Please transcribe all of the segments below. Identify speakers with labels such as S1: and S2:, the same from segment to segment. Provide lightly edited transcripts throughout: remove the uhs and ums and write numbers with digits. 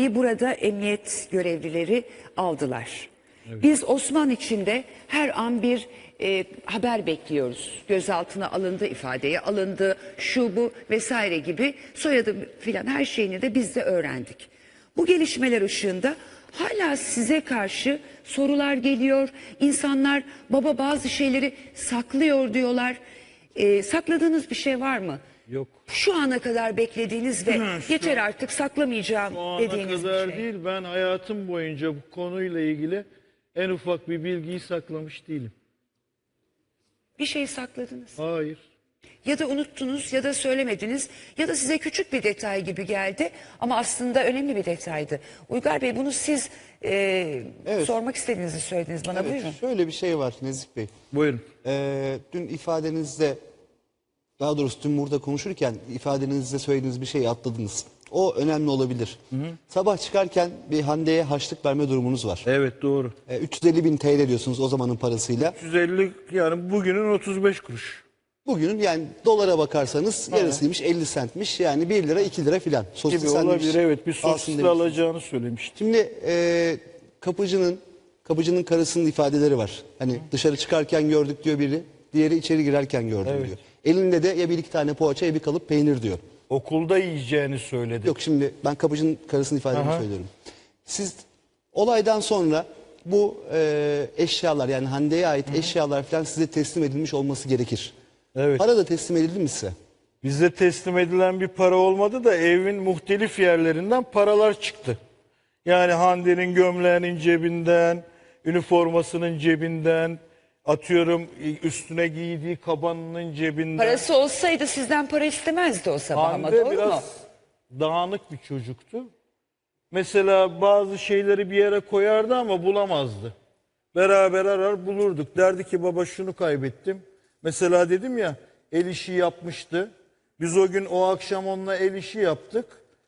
S1: Hande'yi burada emniyet görevlileri aldılar. Evet. Biz Osman için de her an bir haber bekliyoruz. Gözaltına alındı, ifadeye alındı, şu bu vesaire gibi soyadı filan her şeyini de biz de öğrendik. Bu gelişmeler ışığında hala size karşı sorular geliyor. İnsanlar baba bazı şeyleri saklıyor diyorlar. Sakladığınız bir şey var mı?
S2: Yok.
S1: Şu ana kadar beklediğiniz ve yeter artık saklamayacağım dediğiniz bir şey.
S2: Şu ana kadar değil, ben hayatım boyunca bu konuyla ilgili en ufak bir bilgiyi saklamış değilim.
S1: Bir şey sakladınız.
S2: Hayır.
S1: Ya da unuttunuz ya da söylemediniz ya da size küçük bir detay gibi geldi ama aslında önemli bir detaydı. Uygar Bey, bunu siz
S3: Evet.
S1: sormak istediğinizi söylediniz bana.
S3: Evet,
S1: Buyurun.
S3: şöyle bir şey var Nezih Bey.
S2: Buyurun.
S3: Dün ifadenizde, daha doğrusu dün burada konuşurken ifadenizde söylediğiniz bir şeyi atladınız. O önemli olabilir. Sabah çıkarken bir Hande'ye harçlık verme durumunuz var.
S2: Evet, doğru.
S3: 350.000 TL diyorsunuz o zamanın parasıyla.
S2: 150, yani bugünün 35 kuruş.
S3: Bugünün yani dolara bakarsanız yarısıymış, 50 centmiş, yani 1 lira 2 lira filan.
S2: Gibi olabilir, evet, bir sosisli alacağını söylemişti.
S3: Şimdi kapıcının karısının ifadeleri var. Hani dışarı çıkarken gördük diyor biri, diğeri içeri girerken gördüm diyor. Elinde de ya bir iki tane poğaça ya bir kalıp peynir diyor.
S2: Okulda yiyeceğini söyledi.
S3: Yok, şimdi ben kapıcının karısının ifadelerini söylüyorum. Siz olaydan sonra bu eşyalar, yani Hande'ye ait eşyalar falan size teslim edilmiş olması gerekir.
S2: Evet.
S3: Para da teslim edildi mi size?
S2: Bize teslim edilen bir para olmadı da evin muhtelif yerlerinden paralar çıktı. Yani Hande'nin gömleğinin cebinden, üniformasının cebinden, atıyorum üstüne giydiği kabanının cebinden.
S1: Parası olsaydı sizden para istemezdi o sabah ama,
S2: Hande
S1: doğru
S2: biraz
S1: mu?
S2: dağınık bir çocuktu. Mesela bazı şeyleri bir yere koyardı ama bulamazdı. Beraber arar bulurduk. Derdi ki baba şunu kaybettim. Mesela dedim ya, el işi yapmıştı. Biz o gün o akşam onunla el işi yaptık.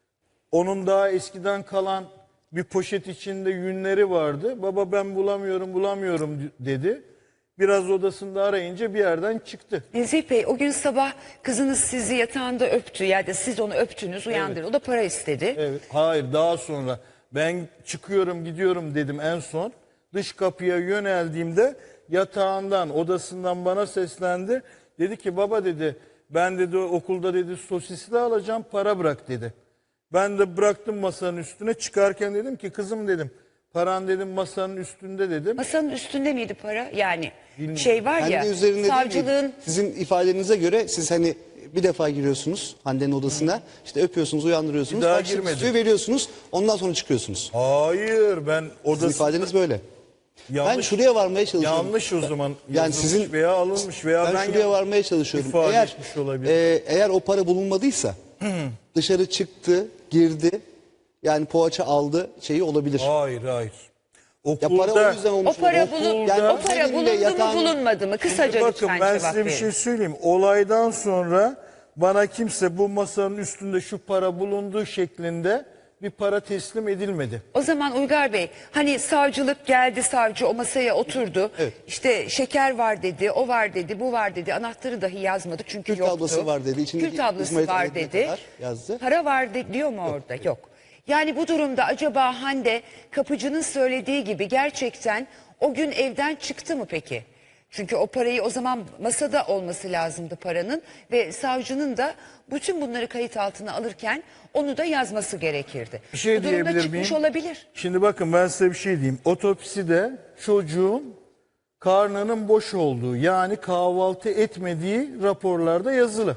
S2: Onun daha eskiden kalan bir poşet içinde yünleri vardı. Baba ben bulamıyorum dedi. Biraz odasında arayınca bir yerden çıktı.
S1: Nezih Bey, o gün sabah kızınız sizi yatağında öptü ya da siz onu öptünüz, uyandırdı. O da para istedi.
S2: Evet, hayır, daha sonra ben çıkıyorum gidiyorum dedim en son. Dış kapıya yöneldiğimde yatağından, odasından bana seslendi. Dedi ki baba dedi, ben dedi okulda dedi sosisli alacağım, para bırak dedi. Ben de bıraktım masanın üstüne, çıkarken dedim ki kızım dedim, paran dedim masanın üstünde dedim.
S1: Masanın üstünde miydi para? Yani şey var ya,
S3: Kendi üzerinde değil mi?
S1: savcılığın...
S3: Sizin ifadenize göre siz hani bir defa giriyorsunuz Hande'nin odasına, işte öpüyorsunuz, uyandırıyorsunuz,
S2: Bir daha
S3: harçlık
S2: girmedim.
S3: istiyor, veriyorsunuz, ondan sonra çıkıyorsunuz.
S2: Hayır, ben
S3: Sizin
S2: odasında...
S3: ifadeniz böyle.
S2: Yanlış,
S3: Ben şuraya varmaya çalışıyorum.
S2: yanlış o zaman
S3: Yani
S2: yazılmış
S3: sizin
S2: veya alınmış veya
S3: ben şuraya varmaya çalışıyorum.
S2: ifade
S3: Eğer
S2: etmiş olabilir.
S3: eğer o para bulunmadıysa dışarı çıktı, girdi, yani poğaça aldı şeyi olabilir.
S2: Hayır.
S3: Ya
S2: Okulda...
S3: para o yüzden olmuş.
S1: O para,
S3: olabilir.
S1: o para
S3: seninle
S1: bulundu
S3: yatağın-
S1: mu bulunmadı mı? Kısaca
S2: Bakın
S1: lütfen
S2: ben
S1: cevap
S2: size bir
S1: verin.
S2: şey söyleyeyim. Olaydan sonra bana kimse bu masanın üstünde şu para bulunduğu şeklinde bir para teslim edilmedi.
S1: O zaman Uygar Bey, hani savcılık geldi, savcı o masaya oturdu.
S3: Evet.
S1: İşte şeker var dedi, o var dedi, bu var dedi. Anahtarı dahi yazmadı çünkü
S3: Kül
S1: yoktu.
S3: tablası var dedi, içindeki
S1: Kül tablası
S3: İsmail
S1: var
S3: Hakkı'na
S1: dedi.
S3: kadar yazdı.
S1: Para var diyor mu orada? Yok. Yani bu durumda acaba Hande kapıcının söylediği gibi gerçekten o gün evden çıktı mı peki? Çünkü o parayı o zaman masada olması lazımdı paranın ve savcının da bütün bunları kayıt altına alırken onu da yazması gerekirdi.
S2: Bir şey
S1: bu durumda
S2: diyebilir
S1: çıkmış
S2: miyim?
S1: olabilir.
S2: Şimdi bakın ben size bir şey diyeyim. Otopside çocuğun karnının boş olduğu, yani kahvaltı etmediği raporlarda yazılı.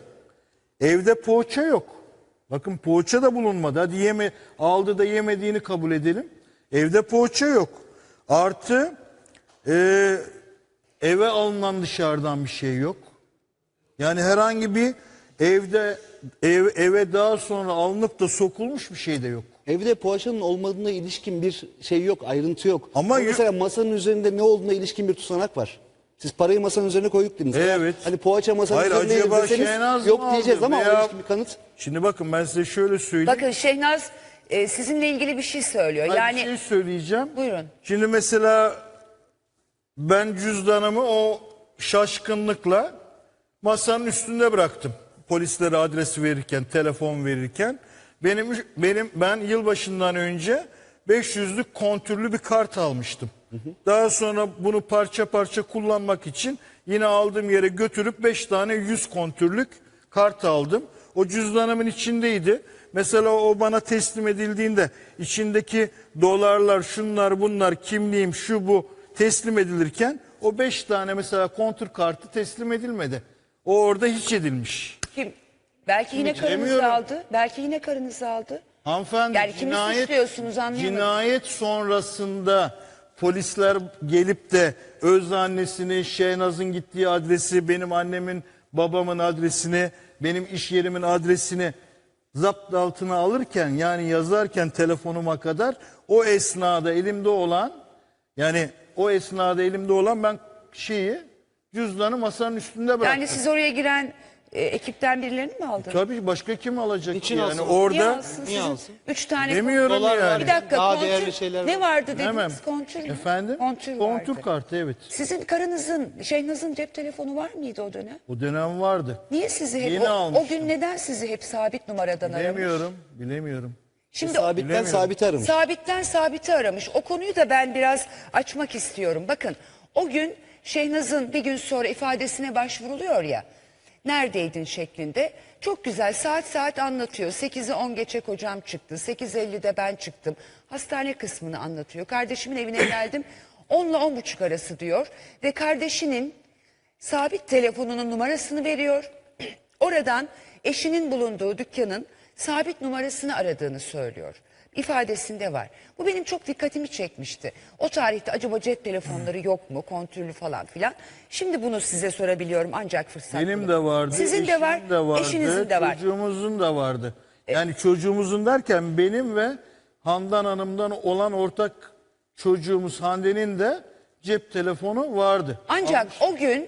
S2: Evde poğaça yok. Bakın poğaça da bulunmadı. Hadi aldı da yemediğini kabul edelim. Evde poğaça yok. Artı eve alınan dışarıdan bir şey yok. Yani herhangi bir eve daha sonra alınıp da sokulmuş bir şey de yok.
S3: Evde poğaçanın olmadığına ilişkin bir şey yok, ayrıntı yok.
S2: Ama
S3: mesela masanın üzerinde ne olduğuna ilişkin bir tutanak var. Siz parayı masanın üzerine koyduk dediniz.
S2: Evet.
S3: Hani poğaça masanın
S2: Hayır,
S3: üzerine
S2: acaba
S3: deseniz
S2: Şehnaz mı
S3: yok diyeceğiz
S2: aldı
S3: ama
S2: veya-
S3: ona ilişkin bir kanıt.
S2: Şimdi bakın ben size şöyle söyleyeyim.
S1: Bakın Şehnaz sizinle ilgili bir şey söylüyor.
S2: Ben
S1: Yani
S2: bir şey söyleyeceğim.
S1: Buyurun.
S2: Şimdi mesela ben cüzdanımı o masanın üstünde bıraktım. Polislere adresi verirken, telefon verirken. Ben yılbaşından önce 500'lük kontürlü bir kart almıştım. Daha sonra bunu parça parça kullanmak için yine aldığım yere götürüp 5 tane 100 kontürlük kart aldım. O cüzdanımın içindeydi. Mesela o bana teslim edildiğinde içindeki dolarlar, şunlar bunlar, kimliğim, şu bu teslim edilirken o 5 tane mesela kontür kartı teslim edilmedi. O orada hiç edilmiş.
S1: Kim? Belki yine karınızı
S2: bilemiyorum.
S1: aldı. Belki yine karınızı aldı.
S2: Hanımefendi,
S1: Yani kimi suçluyorsunuz anlayamadım.
S2: cinayet sonrasında polisler gelip de öz annesini, Şehnaz'ın gittiği adresi, benim annemin, babamın adresini, benim iş yerimin adresini zapt altına alırken, yani yazarken telefonuma kadar o esnada elimde olan, ben cüzdanı masanın üstünde bıraktım.
S1: Yani siz oraya giren ekipten birilerini mi aldınız?
S2: Tabii başka kim alacak?
S3: Niçin
S2: yani
S3: alsın?
S1: Niye
S2: orada
S1: alsın
S3: Niye
S1: sizin?
S3: alsın?
S1: 3 tane
S2: demiyorum
S3: Dolar
S2: yani.
S3: var.
S1: Bir dakika,
S3: Daha
S1: kontür,
S3: değerli şeyler
S1: ne
S3: var.
S1: vardı dediniz?
S2: Hemen.
S1: Kontür mü?
S2: Efendim?
S1: Kontür
S2: Kontür
S1: vardı.
S2: kartı, evet.
S1: Sizin karınızın, Şehnaz'ın cep telefonu var mıydı o dönem?
S2: O dönem vardı.
S1: Niye sizi hep,
S2: Yeni
S1: o
S2: almıştım.
S1: gün neden sizi hep sabit numaradan aramış?
S2: Bilemiyorum.
S1: Şimdi
S3: Sabitten
S2: Bilemiyorum.
S3: sabite aramış.
S1: sabitten sabite aramış. O konuyu da ben biraz açmak istiyorum. Bakın o gün Şehnaz'ın bir gün sonra ifadesine başvuruluyor ya. Neredeydin şeklinde. Çok güzel saat anlatıyor. 8'i 10 geçe kocam çıktı. 8.50'de ben çıktım. Hastane kısmını anlatıyor. Kardeşimin evine geldim. 10 ile 10.30 arası diyor. Ve kardeşinin sabit telefonunun numarasını veriyor. Oradan eşinin bulunduğu dükkanın sabit numarasını aradığını söylüyor. İfadesinde var. Bu benim çok dikkatimi çekmişti. O tarihte acaba cep telefonları yok mu, kontürlü falan filan. Şimdi bunu size sorabiliyorum ancak fırsat
S2: Benim
S1: bulun.
S2: de vardı,
S1: Sizin de var,
S2: eşimin de vardı,
S1: eşinizin de var.
S2: çocuğumuzun da vardı. Yani çocuğumuzun derken benim ve Handan Hanım'dan olan ortak çocuğumuz Hande'nin de cep telefonu vardı.
S1: Ancak o gün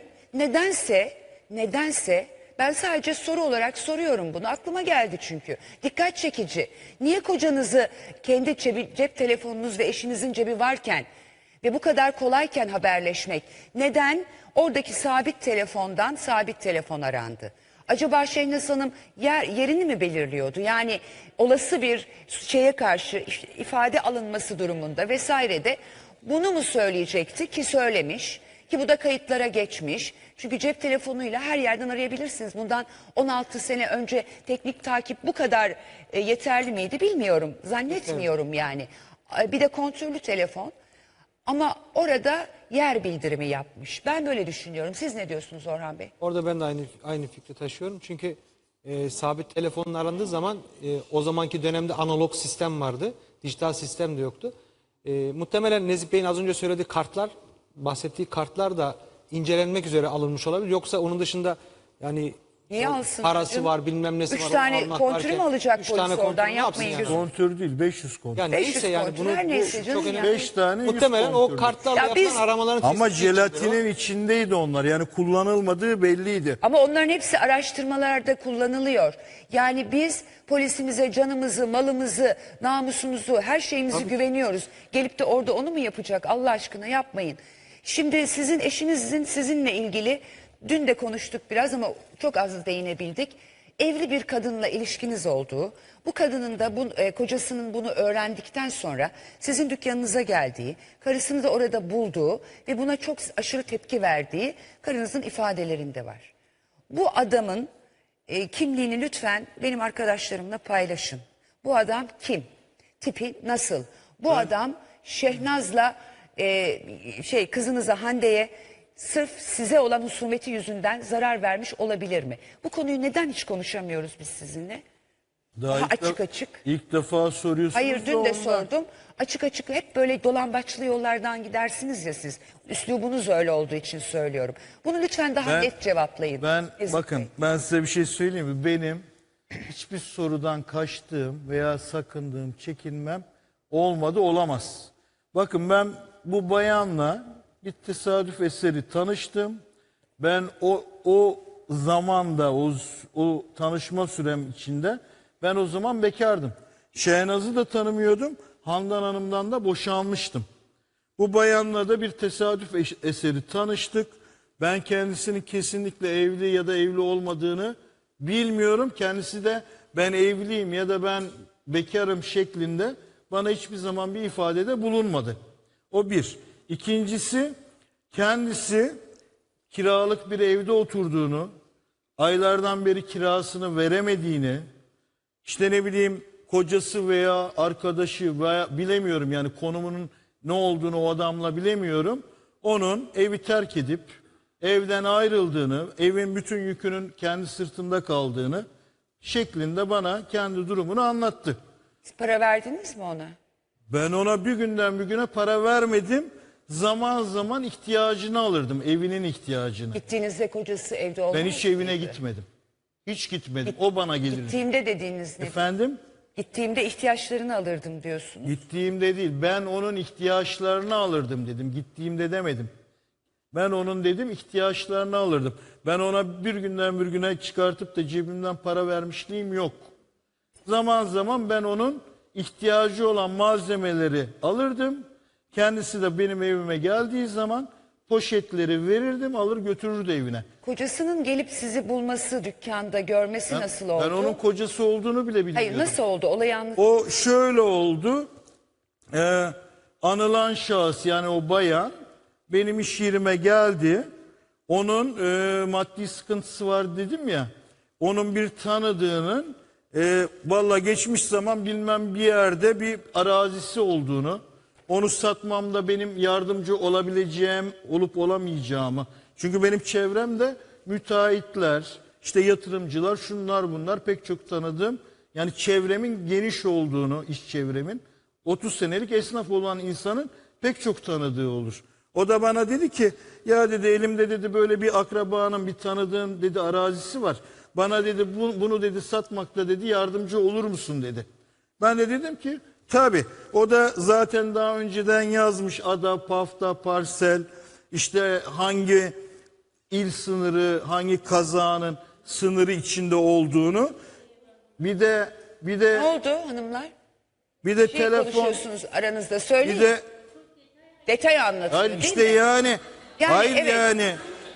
S1: nedense ben sadece soru olarak soruyorum bunu. Aklıma geldi çünkü. Dikkat çekici. Niye kocanızı kendi cep telefonunuz ve eşinizin cebi varken ve bu kadar kolayken haberleşmek, neden oradaki sabit telefondan sabit telefon arandı? Acaba Şehnaz Hanım yerini mi belirliyordu? Yani olası bir şeye karşı ifade alınması durumunda vesairede bunu mu söyleyecekti ki söylemiş ki bu da kayıtlara geçmiş. Çünkü cep telefonuyla her yerden arayabilirsiniz. Bundan 16 sene önce teknik takip bu kadar yeterli miydi bilmiyorum. Zannetmiyorum yani. Bir de kontürlü telefon. Ama orada yer bildirimi yapmış. Ben böyle düşünüyorum. Siz ne diyorsunuz Orhan Bey?
S4: Orada ben de aynı fikri taşıyorum. Çünkü sabit telefonun arandığı zaman o zamanki dönemde analog sistem vardı. Dijital sistem de yoktu. Muhtemelen Nezih Bey'in az önce söylediği kartlar, bahsettiği kartlar da incelenmek üzere alınmış olabilir. Yoksa onun dışında yani
S1: Niye alsın?
S4: parası
S1: canım?
S4: var, bilmem nesi var.
S1: 3
S4: onu
S1: tane
S4: almak
S1: kontürü mü
S4: varken
S1: alacak
S4: üç
S1: polis
S4: tane
S1: oradan?
S4: kontürü ne yapsın
S1: Yapmayın
S4: yani?
S1: gözünü.
S2: Kontür değil, 500 kontür.
S4: Yani
S1: 500
S4: neyse yani
S1: kontür,
S4: bunu
S1: her neyse canım
S4: çok
S1: ya.
S4: önemli.
S2: 5 tane 100
S4: Muhtemelen o
S2: kontür.
S4: kartlarla
S1: Ya
S4: yapılan
S1: biz-
S4: aramaların
S2: Ama
S4: tespiti içindir o.
S2: jelatinin içindeydi onlar. Yani kullanılmadığı belliydi.
S1: Ama onların hepsi araştırmalarda kullanılıyor. Yani biz polisimize canımızı, malımızı, namusumuzu, her şeyimizi güveniyoruz. Gelip de orada onu mu yapacak? Allah aşkına yapmayın. Şimdi sizin eşinizin sizinle ilgili dün de konuştuk biraz ama çok az değinebildik. Evli bir kadınla ilişkiniz olduğu, bu kadının da kocasının bunu öğrendikten sonra sizin dükkanınıza geldiği, karısını da orada bulduğu ve buna çok aşırı tepki verdiği karınızın ifadelerinde var. Bu adamın kimliğini lütfen benim arkadaşlarımla paylaşın. Bu adam kim? Tipi nasıl? Bu adam Şehnaz'la kızınıza Hande'ye sırf size olan husumeti yüzünden zarar vermiş olabilir mi? Bu konuyu neden hiç konuşamıyoruz biz sizinle? Daha açık.
S2: İlk defa soruyorsunuz.
S1: Hayır dün de
S2: ondan.
S1: sordum. Açık hep böyle dolambaçlı yollardan gidersiniz ya siz. Üslubunuz öyle olduğu için söylüyorum. Bunu lütfen daha net cevaplayın. Nezih Bey.
S2: Ben size bir şey söyleyeyim mi? Benim hiçbir sorudan kaçtığım veya sakındığım, çekinmem olmadı, olamaz. Bakın ben bu bayanla bir tesadüf eseri tanıştım. Ben o zamanda o tanışma sürem içinde ben o zaman bekardım. Şehnaz'ı da tanımıyordum. Handan Hanım'dan da boşanmıştım. Bu bayanla da bir tesadüf eseri tanıştık. Ben kendisinin kesinlikle evli ya da evli olmadığını bilmiyorum. Kendisi de ben evliyim ya da ben bekarım şeklinde bana hiçbir zaman bir ifadede bulunmadı. O bir. İkincisi, kendisi kiralık bir evde oturduğunu, aylardan beri kirasını veremediğini, işte ne bileyim kocası veya arkadaşı veya bilemiyorum yani konumunun ne olduğunu o adamla bilemiyorum. Onun evi terk edip evden ayrıldığını, evin bütün yükünün kendi sırtında kaldığını şeklinde bana kendi durumunu anlattı.
S1: Siz para verdiniz mi ona?
S2: Ben ona bir günden bir güne para vermedim. Zaman zaman ihtiyacını alırdım, evinin ihtiyacını.
S1: Gittiğinizde kocası evde olmadı.
S2: Ben hiç evine gitmedim. Hiç gitmedim. O bana gelirdi.
S1: Gittiğimde dediğiniz ne?
S2: Efendim?
S1: Gittiğimde ihtiyaçlarını alırdım diyorsunuz.
S2: Gittiğimde değil, ben onun ihtiyaçlarını alırdım dedim. Gittiğimde demedim. Ben onun dedim ihtiyaçlarını alırdım. Ben ona bir günden bir güne çıkartıp da cebimden para vermişliğim yok. Zaman zaman ben onun ihtiyacı olan malzemeleri alırdım. Kendisi de benim evime geldiği zaman poşetleri verirdim, alır götürürdü evine.
S1: Kocasının gelip sizi bulması, dükkanda görmesi nasıl oldu?
S2: Ben onun kocası olduğunu bile bilmiyordum.
S1: Hayır, nasıl oldu? Olayı anlat.
S2: O şöyle oldu. Anılan şahıs yani o bayan benim iş yerime geldi. Onun maddi sıkıntısı var dedim ya. Onun bir tanıdığının valla geçmiş zaman bilmem bir yerde bir arazisi olduğunu, onu satmamda benim yardımcı olabileceğim, olup olamayacağımı. Çünkü benim çevremde müteahhitler, işte yatırımcılar, şunlar bunlar pek çok tanıdığım. Yani çevremin geniş olduğunu, iş çevremin 30 senelik esnaf olan insanın pek çok tanıdığı olur. O da bana dedi ki ya dedi elimde dedi böyle bir akrabanın bir tanıdığın dedi arazisi var. Bana dedi bunu dedi satmakta dedi yardımcı olur musun dedi. Ben de dedim ki tabii. O da zaten daha önceden yazmış ada, pafta, parsel, işte hangi il sınırı, hangi kazanın sınırı içinde olduğunu. Bir de
S1: Ne oldu hanımlar?
S2: bir de
S1: Şey
S2: telefon,
S1: konuşuyorsunuz aranızda, söyleyin.
S2: bir de
S1: Detay anlatın.
S2: hayır
S1: değil
S2: işte
S1: mi?
S2: yani hayır
S1: evet.
S2: yani.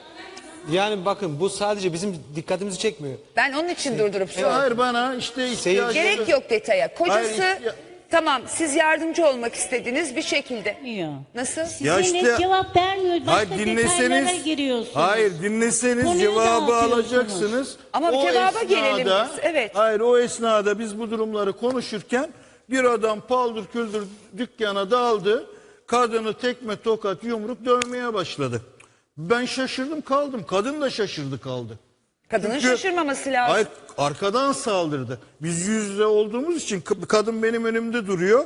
S4: Yani bakın bu sadece bizim dikkatimizi çekmiyor.
S1: Ben onun için durdurup sordum.
S2: Hayır bana işte ihtiyacı.
S1: Gerek yok detaya. Kocası
S2: Hayır,
S1: tamam, siz yardımcı olmak istediniz bir şekilde.
S5: Yok.
S1: Nasıl?
S2: Ya
S5: Size
S2: işte-
S5: cevap vermiyor. Başka
S2: Hayır
S5: detaylara
S2: dinleseniz,
S5: giriyorsunuz.
S2: hayır dinleseniz
S5: Konuyu
S2: cevabı
S5: dağıtıyorsunuz.
S2: alacaksınız.
S1: Ama
S2: O
S1: cevaba gelelim biz, evet.
S2: Hayır o esnada biz bu durumları konuşurken bir adam paldır küldür dükkana daldı. Kadını tekme tokat yumruk dövmeye başladı. Ben şaşırdım kaldım. Kadın da şaşırdı kaldı.
S1: Kadının
S2: Çünkü-
S1: şaşırmaması lazım.
S2: Hayır arkadan saldırdı. Biz yüz yüze olduğumuz için kadın benim önümde duruyor.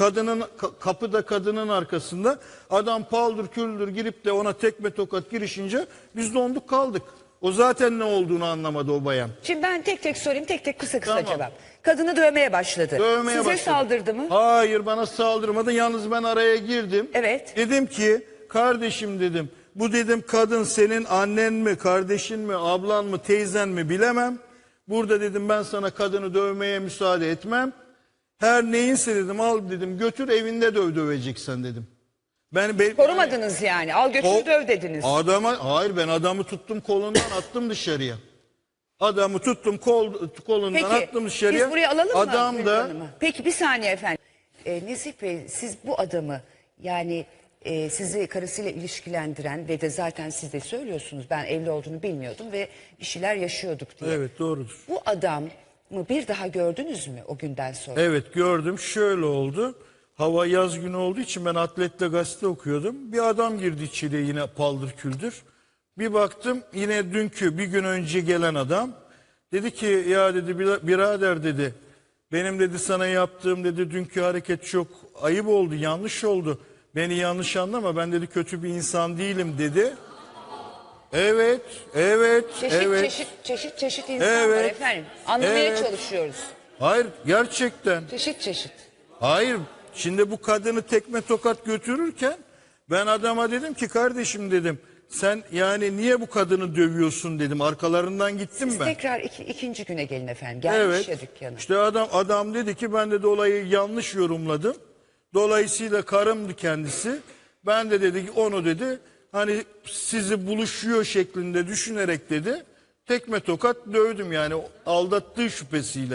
S2: Kapı da kadının arkasında. Adam paldır küldür girip de ona tekme tokat girişince biz donduk kaldık. O zaten ne olduğunu anlamadı o bayan.
S1: Şimdi ben tek tek sorayım, tek tek kısa
S2: Tamam.
S1: cevap. Kadını dövmeye başladı.
S2: Dövmeye
S1: Size
S2: başladı.
S1: saldırdı mı?
S2: Hayır bana saldırmadı. Yalnız ben araya girdim.
S1: Evet.
S2: Dedim ki kardeşim dedim. Bu dedim kadın senin annen mi, kardeşin mi, ablan mı, teyzen mi bilemem. Burada dedim ben sana kadını dövmeye müsaade etmem. Her neyinse dedim al dedim götür evinde döveceksen dedim.
S1: Korumadınız yani. Al götür döv dediniz.
S2: Hayır ben adamı tuttum kolundan attım dışarıya. Adamı tuttum kolundan
S1: Peki
S2: attım dışarıya.
S1: biz buraya alalım mı?
S2: Adam
S1: Gülben
S2: da
S1: Hanım'ı? Peki bir saniye efendim. Nezih Bey, siz bu adamı yani sizi karısıyla ilişkilendiren ve de zaten siz de söylüyorsunuz ben evli olduğunu bilmiyordum ve bir şeyler yaşıyorduk diye.
S2: evet doğrudur.
S1: Bu adamı bir daha gördünüz mü o günden sonra?
S2: Evet gördüm. Şöyle oldu. Hava yaz günü olduğu için ben Atlet'te gazete okuyordum. Bir adam girdi içeriye yine paldır küldür. Bir baktım yine dünkü bir gün önce gelen adam. Dedi ki ya dedi birader dedi. Benim dedi sana yaptığım dedi dünkü hareket çok ayıp oldu, yanlış oldu. Beni yanlış anlama ben dedi kötü bir insan değilim dedi. Evet, evet,
S1: Çeşit insan var
S2: Evet,
S1: efendim. Anlamaya
S2: evet.
S1: çalışıyoruz.
S2: Hayır gerçekten.
S1: Çeşit.
S2: Hayır. Şimdi bu kadını tekme tokat götürürken ben adama dedim ki kardeşim dedim sen yani niye bu kadını dövüyorsun dedim. Arkalarından gittim ben.
S1: Tekrar ikinci güne gelin efendim. Gelmiş ya dükkana.
S2: İşte adam dedi ki ben de olayı yanlış yorumladım. Dolayısıyla karımdı kendisi. Ben de dedi ki onu dedi hani sizi buluşuyor şeklinde düşünerek dedi tekme tokat dövdüm yani aldattığı şüphesiyle.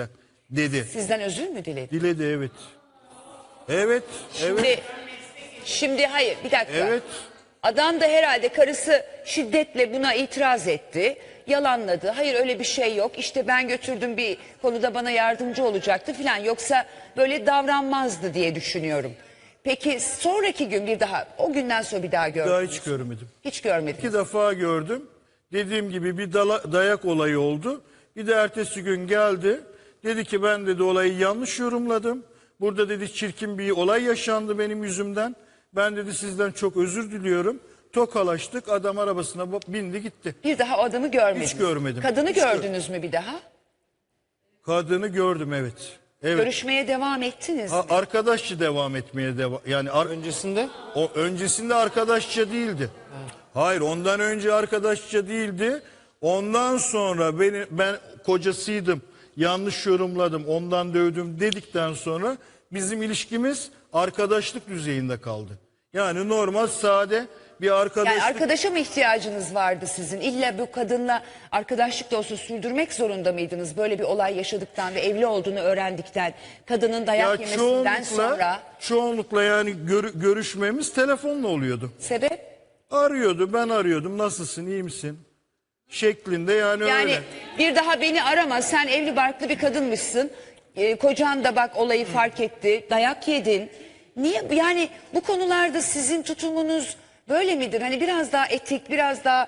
S2: dedi.
S1: Sizden özür mü diledi?
S2: Diledi, evet. Evet, evet,
S1: Şimdi hayır, bir dakika.
S2: evet.
S1: Adam da herhalde karısı şiddetle buna itiraz etti. Yalanladı. Hayır öyle bir şey yok. İşte ben götürdüm, bir konuda bana yardımcı olacaktı filan. Yoksa böyle davranmazdı diye düşünüyorum. Peki sonraki gün bir daha, o günden sonra bir daha
S2: Daha
S1: gördünüz.
S2: hiç görmedim.
S1: Hiç görmedim.
S2: 2 defa gördüm. Dediğim gibi bir dayak olayı oldu. Bir de ertesi gün geldi. Dedi ki ben dedi olayı yanlış yorumladım. Burada dedi çirkin bir olay yaşandı benim yüzümden. Ben dedi sizden çok özür diliyorum. Tokalaştık, adam arabasına bindi gitti.
S1: Bir daha o adamı görmediniz.
S2: Hiç görmedim.
S1: Kadını
S2: Hiç
S1: gördünüz mü bir daha?
S2: Kadını gördüm, evet. Evet.
S1: Görüşmeye devam ettiniz mi?
S2: Arkadaşça devam etmeye devam. Yani
S4: Öncesinde
S2: o öncesinde arkadaşça değildi. Hayır, ondan önce arkadaşça değildi. Ondan sonra ben kocasıydım. Yanlış yorumladım, ondan dövdüm dedikten sonra bizim ilişkimiz arkadaşlık düzeyinde kaldı. Yani normal sade bir arkadaşlık.
S1: Yani arkadaşa mı ihtiyacınız vardı sizin? İlla bu kadınla arkadaşlık da olsa sürdürmek zorunda mıydınız? Böyle bir olay yaşadıktan ve evli olduğunu öğrendikten, kadının dayak yemesinden sonra.
S2: Çoğunlukla yani görüşmemiz telefonla oluyordu.
S1: Sebep?
S2: Arıyordu, ben arıyordum, nasılsın, iyi misin? Şeklinde yani
S1: Yani
S2: öyle.
S1: bir daha beni arama, sen evli barklı bir kadınmışsın. Kocan da bak olayı fark etti, dayak yedin. Niye yani bu konularda sizin tutumunuz böyle midir? Hani biraz daha etik, biraz daha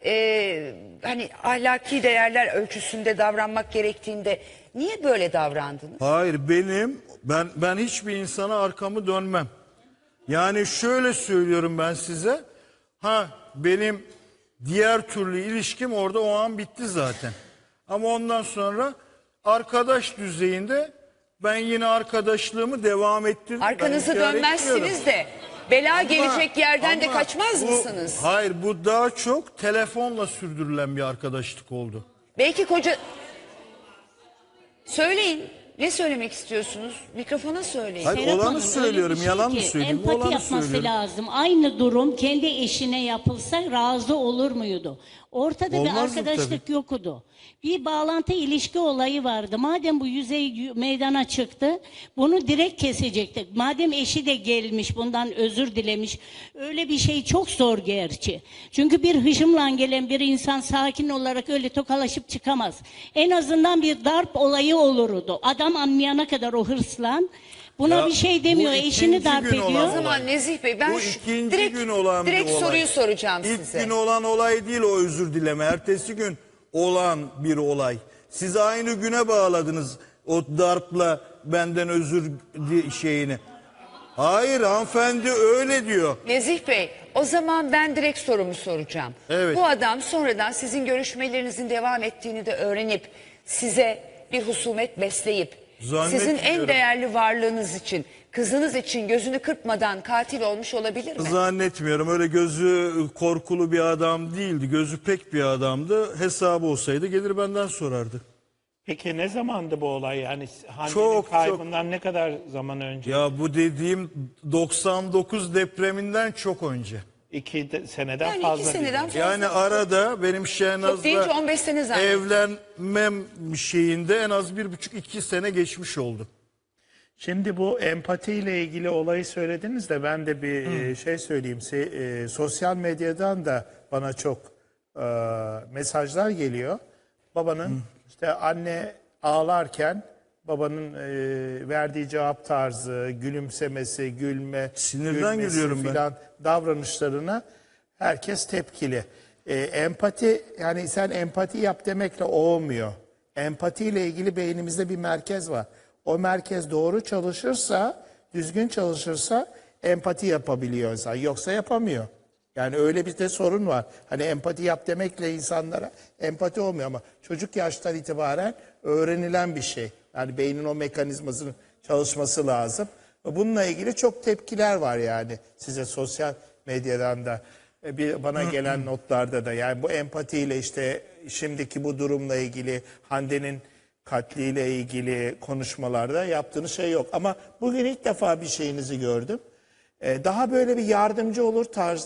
S1: hani ahlaki değerler ölçüsünde davranmak gerektiğinde niye böyle davrandınız?
S2: Hayır, ben hiçbir insana arkamı dönmem. Yani şöyle söylüyorum ben size. Benim diğer türlü ilişkim orada o an bitti zaten. Ama ondan sonra arkadaş düzeyinde ben yine arkadaşlığımı devam ettirdim.
S1: Arkanızı
S2: Ben inkar
S1: dönmezsiniz
S2: etmiyorum.
S1: de bela gelecek yerden
S2: Ama
S1: de kaçmaz mısınız?
S2: Hayır, bu daha çok telefonla sürdürülen bir arkadaşlık oldu.
S1: Belki koca... Söyleyin. Ne söylemek istiyorsunuz? Mikrofona söyleyin.
S2: Hayır,
S5: Serap
S2: olanı
S5: Hanım,
S2: söylüyorum,
S5: öyle bir
S2: yalan mı
S5: ki,
S2: söyleyeyim?
S5: Empati
S2: Olanı
S5: yapması
S2: söylüyorum.
S5: lazım. Aynı durum kendi eşine yapılsa razı olur muydu? Ortada bir
S2: Olmazdı
S5: arkadaşlık yoktu. Bir bağlantı ilişki olayı vardı. Madem bu yüzey meydana çıktı, bunu direkt kesecektik. Madem eşi de gelmiş, bundan özür dilemiş. Öyle bir şey çok zor gerçi. Çünkü bir hışımla gelen bir insan sakin olarak öyle tokalaşıp çıkamaz. En azından bir darp olayı olurdu. Adam anlayana kadar o hırslan. Buna
S2: Ya,
S5: bir şey demiyor.
S2: bu
S5: Eşini
S2: ikinci
S5: darp
S2: gün
S5: ediyor.
S2: olan
S1: O zaman Nezih Bey ben
S2: Bu ikinci
S1: direkt,
S2: gün olan
S1: direkt
S2: bir olay.
S1: soruyu soracağım
S2: İlk
S1: size.
S2: gün olan olay değil o özür dileme. Ertesi gün olan bir olay. Siz aynı güne bağladınız o darpla benden özür şeyini. Hayır, hanımefendi öyle diyor.
S1: Nezih Bey o zaman ben direkt sorumu soracağım.
S2: Evet.
S1: Bu adam sonradan sizin görüşmelerinizin devam ettiğini de öğrenip size bir husumet besleyip sizin en
S2: Zannetmiyorum.
S1: değerli varlığınız için, kızınız için gözünü kırpmadan katil olmuş olabilir mi?
S2: Zannetmiyorum, öyle gözü korkulu bir adam değildi. Gözü pek bir adamdı. Hesabı olsaydı gelir benden sorardı.
S6: Peki ne zamandı bu olay? Yani Hande'nin
S2: Çok,
S6: kaybından ne kadar zaman önce?
S2: Ya bu dediğim 99 depreminden çok önce.
S6: Seneden
S1: Yani
S6: fazla.
S1: 2 seneden fazla.
S2: Yani arada benim
S1: Çok deyince
S2: Şehnaz'la
S1: 15 sene zannediyorum.
S2: evlenmem şeyinde en az 1,5-2 sene geçmiş oldu.
S6: Şimdi bu empatiyle ilgili olayı söylediniz de ben de bir şey söyleyeyim. Sosyal medyadan da bana çok mesajlar geliyor. Babanın işte anne ağlarken babanın verdiği cevap tarzı, gülümsemesi,
S2: Sinirden
S6: gülmesi
S2: gülüyorum ben.
S6: filan davranışlarına herkes tepkili. Empati, yani sen empati yap demekle olmuyor. Empatiyle ilgili beynimizde bir merkez var. O merkez doğru çalışırsa, düzgün çalışırsa empati yapabiliyor insan. Yoksa yapamıyor. Yani öyle bir de sorun var. Hani empati yap demekle insanlara empati olmuyor ama çocuk yaştan itibaren öğrenilen bir şey. Yani beynin o mekanizmasının çalışması lazım. Bununla ilgili çok tepkiler var yani size sosyal medyadan da. Bana gelen notlarda da yani bu empatiyle işte şimdiki bu durumla ilgili Hande'nin katliyle ilgili konuşmalarda yaptığınız şey yok. Ama bugün ilk defa bir şeyinizi gördüm. Daha böyle bir yardımcı olur tarzda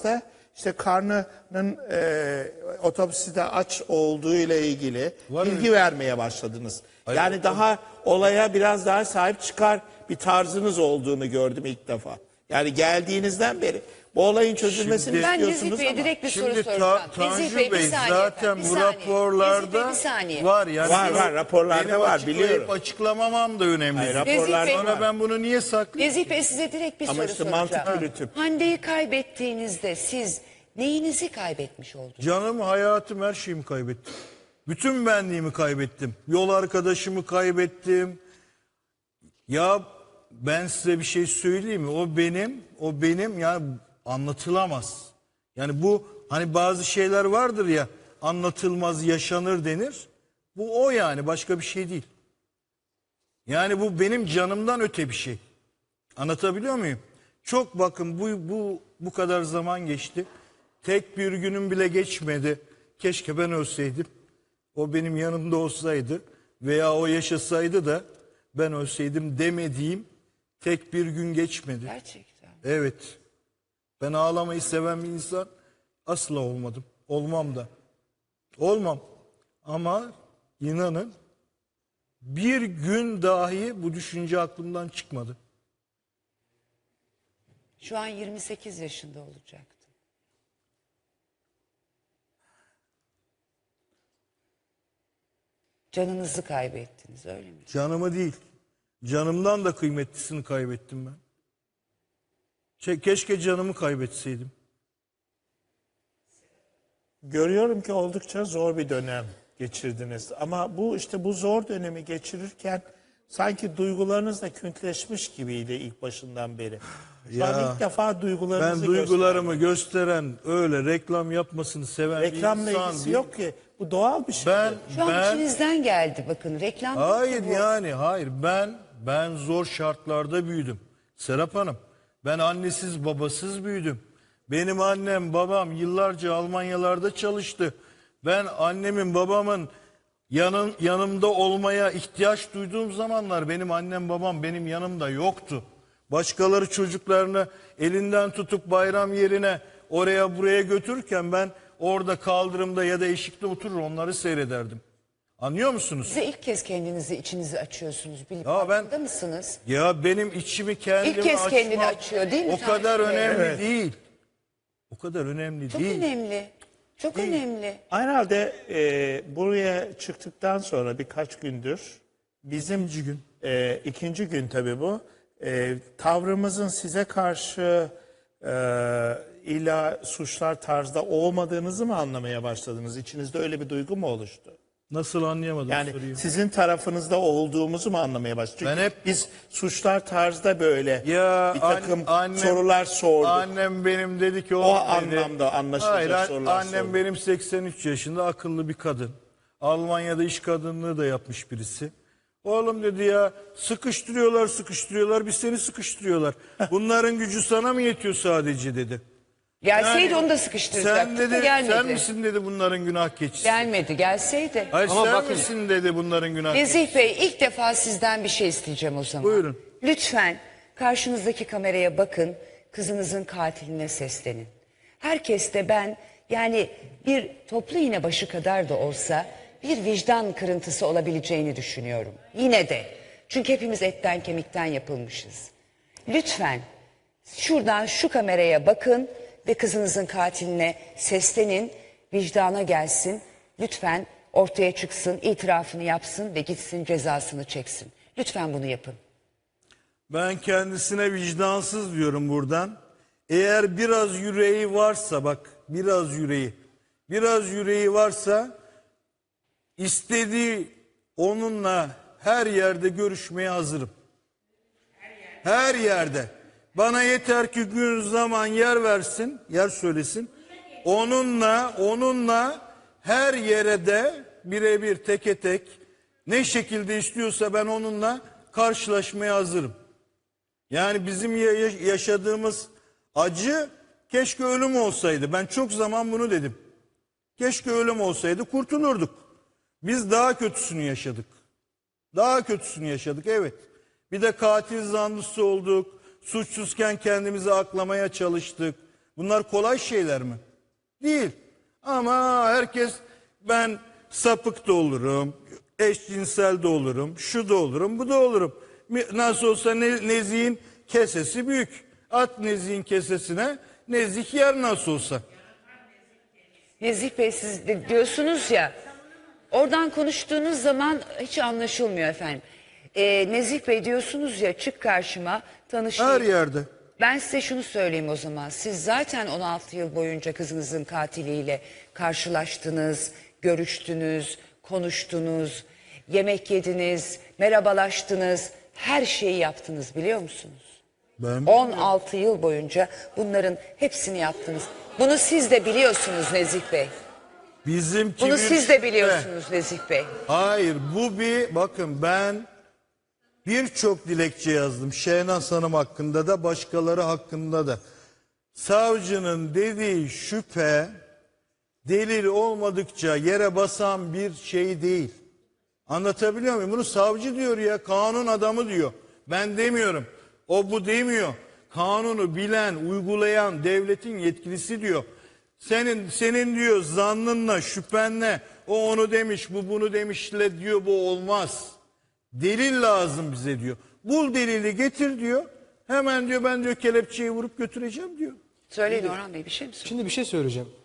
S6: işte karnının otopside aç olduğu ile ilgili bilgi vermeye başladınız. Yani daha olaya biraz daha sahip çıkar bir tarzınız olduğunu gördüm ilk defa. Yani geldiğinizden beri bu olayın çözülmesini
S2: Şimdi-
S1: Ben
S6: istiyorsunuz
S1: Nezih Bey'e
S6: ama.
S1: direkt bir soru
S2: Şimdi
S1: soracağım.
S2: Tanju
S1: Nezih Bey, bir
S2: Bey
S1: saniye
S2: zaten
S1: efendim, bir
S2: bu
S1: saniye.
S2: raporlarda
S1: Nezih Bey, bir saniye.
S2: var. Yani
S6: Var, raporlarda
S2: benim
S6: var,
S2: açıklayıp
S6: biliyorum.
S2: açıklamamam da önemli.
S6: Hayır,
S2: değil.
S6: raporlarda
S1: Nezih Bey-
S2: Sonra ben bunu niye saklayayım?
S1: Nezih Bey, size direkt bir
S6: Ama
S1: soru
S6: işte
S1: soracağım.
S6: mantık yürütüp.
S1: Hande'yi kaybettiğinizde siz neyinizi kaybetmiş oldunuz?
S2: Canım, hayatım, her şeyimi kaybettim. Bütün benliğimi kaybettim. Yol arkadaşımı kaybettim. Ya ben size bir şey söyleyeyim mi? O benim yani anlatılamaz. Yani bu hani bazı şeyler vardır ya, anlatılmaz yaşanır denir. Bu o yani, başka bir şey değil. Yani bu benim canımdan öte bir şey. Anlatabiliyor muyum? Çok bakın bu kadar zaman geçti. Tek bir günüm bile geçmedi. Keşke ben ölseydim. O benim yanımda olsaydı veya o yaşasaydı da ben ölseydim demediğim tek bir gün geçmedi.
S1: Gerçekten.
S2: Evet. Ben ağlamayı seven bir insan asla olmadım. Olmam da. Olmam. Ama inanın bir gün dahi bu düşünce aklımdan çıkmadı.
S1: Şu an 28 yaşında olacaktı. Canınızı kaybettiniz, öyle mi?
S2: Canımı değil. Canımdan da kıymetlisini kaybettim ben. Keşke canımı kaybetseydim.
S6: Görüyorum ki oldukça zor bir dönem geçirdiniz. Ama bu zor dönemi geçirirken sanki duygularınız da küntleşmiş gibiydi ilk başından beri. Şu an
S2: Ya,
S6: ilk defa duygularınızı
S2: Ben duygularımı gösteren, öyle reklam yapmasını seven bir
S6: reklamla
S2: insan
S6: ilgisi
S2: değil.
S6: yok ki. Bu doğal bir şey.
S1: Şu an
S2: Ben
S1: içinizden geldi, bakın reklam. değil
S2: hayır
S1: ki bu.
S2: yani hayır ben zor şartlarda büyüdüm. Serap Hanım, ben annesiz babasız büyüdüm. Benim annem babam yıllarca Almanyalarda çalıştı. Ben annemin babamın yanımda olmaya ihtiyaç duyduğum zamanlar benim annem babam benim yanımda yoktu. Başkaları çocuklarını elinden tutup bayram yerine oraya buraya götürürken ben orada kaldırımda ya da eşikte oturur onları seyrederdim. Anlıyor musunuz?
S1: Size ilk kez kendinizi, içinizi açıyorsunuz. Bilip
S2: Ya ben-
S1: farkında mısınız?
S2: Ya benim içimi kendime
S1: İlk kez
S2: açmam
S1: kendini açıyor, değil mi
S2: o kadar
S1: Tanju Bey?
S2: önemli değil. O kadar önemli
S1: Çok
S2: değil.
S1: önemli. Çok önemli.
S6: Herhalde buraya çıktıktan sonra birkaç gündür bizim ikinci gün tabii bu. Tavrımızın size karşı illa suçlar tarzda olmadığınızı mı anlamaya başladınız? İçinizde öyle bir duygu mu oluştu?
S2: Nasıl anlayamadım
S6: Yani
S2: soruyu.
S6: sizin tarafınızda olduğumuzu mu anlamaya başladınız? Çünkü
S2: Ben hep-
S6: biz suçlar tarzda böyle
S2: Ya
S6: bir takım
S2: annem-
S6: sorular sorduk.
S2: Annem benim dedi ki
S6: O
S2: oğlum dedi.
S6: anlamda anlaşılacak
S2: Hayır,
S6: sorular
S2: annem
S6: sorduk.
S2: benim 83 yaşında akıllı bir kadın. Almanya'da iş kadınlığı da yapmış birisi. Oğlum dedi ya sıkıştırıyorlar biz seni sıkıştırıyorlar. Bunların gücü sana mı yetiyor sadece dedi.
S1: Gelseydi
S2: Yani
S1: onu da
S2: Sen
S1: sıkıştıracaktık da
S2: dedi
S1: gelmedi.
S2: sen misin dedi bunların günah keçisi.
S1: Gelmedi, gelseydi.
S2: Hayır
S4: Ama
S2: sen
S4: bakın-
S2: misin dedi bunların günah keçisi.
S1: Nezih Bey, ilk defa sizden bir şey isteyeceğim o zaman.
S2: Buyurun.
S1: Lütfen karşınızdaki kameraya bakın, kızınızın katiline seslenin. Herkes de ben, yani bir toplu iğne başı kadar da olsa bir vicdan kırıntısı olabileceğini düşünüyorum. Yine de. Çünkü hepimiz etten kemikten yapılmışız. Lütfen şuradan şu kameraya bakın ve kızınızın katiline seslenin, vicdana gelsin. Lütfen ortaya çıksın, itirafını yapsın ve gitsin cezasını çeksin. Lütfen bunu yapın.
S2: Ben kendisine vicdansız diyorum buradan. Eğer biraz yüreği varsa bak biraz yüreği varsa istediği onunla her yerde görüşmeye hazırım. Her yerde. Bana yeter ki gün zaman yer versin, yer söylesin. Onunla her yere de birebir teke tek ne şekilde istiyorsa ben onunla karşılaşmaya hazırım. Yani bizim yaşadığımız acı keşke ölüm olsaydı. Ben çok zaman bunu dedim. Keşke ölüm olsaydı kurtulurduk. Biz daha kötüsünü yaşadık. Daha kötüsünü yaşadık evet. Bir de katil zanlısı olduk. Suçsuzken kendimizi aklamaya çalıştık. Bunlar kolay şeyler mi? Değil. Ama herkes ben sapık da olurum, eşcinsel de olurum, şu da olurum, bu da olurum. Nasıl olsa Nezih'in kesesi büyük. At Nezih'in kesesine, Nezih yer nasıl olsa.
S1: Nezih Bey siz de diyorsunuz ya, oradan konuştuğunuz zaman hiç anlaşılmıyor efendim. Nezih Bey diyorsunuz ya, çık karşıma tanışayım.
S2: Her yerde.
S1: Ben size şunu söyleyeyim o zaman. Siz zaten 16 yıl boyunca kızınızın katiliyle karşılaştınız, görüştünüz, konuştunuz, yemek yediniz, merhabalaştınız, her şeyi yaptınız biliyor musunuz?
S2: Ben
S1: 16 yıl boyunca bunların hepsini yaptınız. Bunu siz de biliyorsunuz Nezih Bey.
S2: bizimki
S1: Bunu
S2: bir
S1: siz de
S2: şüphe.
S1: biliyorsunuz Nezih Bey.
S2: Hayır, bu bir bakın, ben birçok dilekçe yazdım. Şehnaz Hanım hakkında da, başkaları hakkında da. Savcının dediği şüphe delil olmadıkça yere basan bir şey değil. Anlatabiliyor muyum? Bunu savcı diyor ya, kanun adamı diyor. Ben demiyorum. O bu demiyor. Kanunu bilen, uygulayan devletin yetkilisi diyor. Senin diyor zannınla, şüphenle, o onu demiş, bu bunu demişle diyor, bu olmaz. Delil lazım bize diyor. Bul delili getir diyor. Hemen diyor ben diyor kelepçeyi vurup götüreceğim diyor.
S1: Söyleyin Orhan Bey, bir şey mi söyleyeyim?
S4: Şimdi bir şey söyleyeceğim.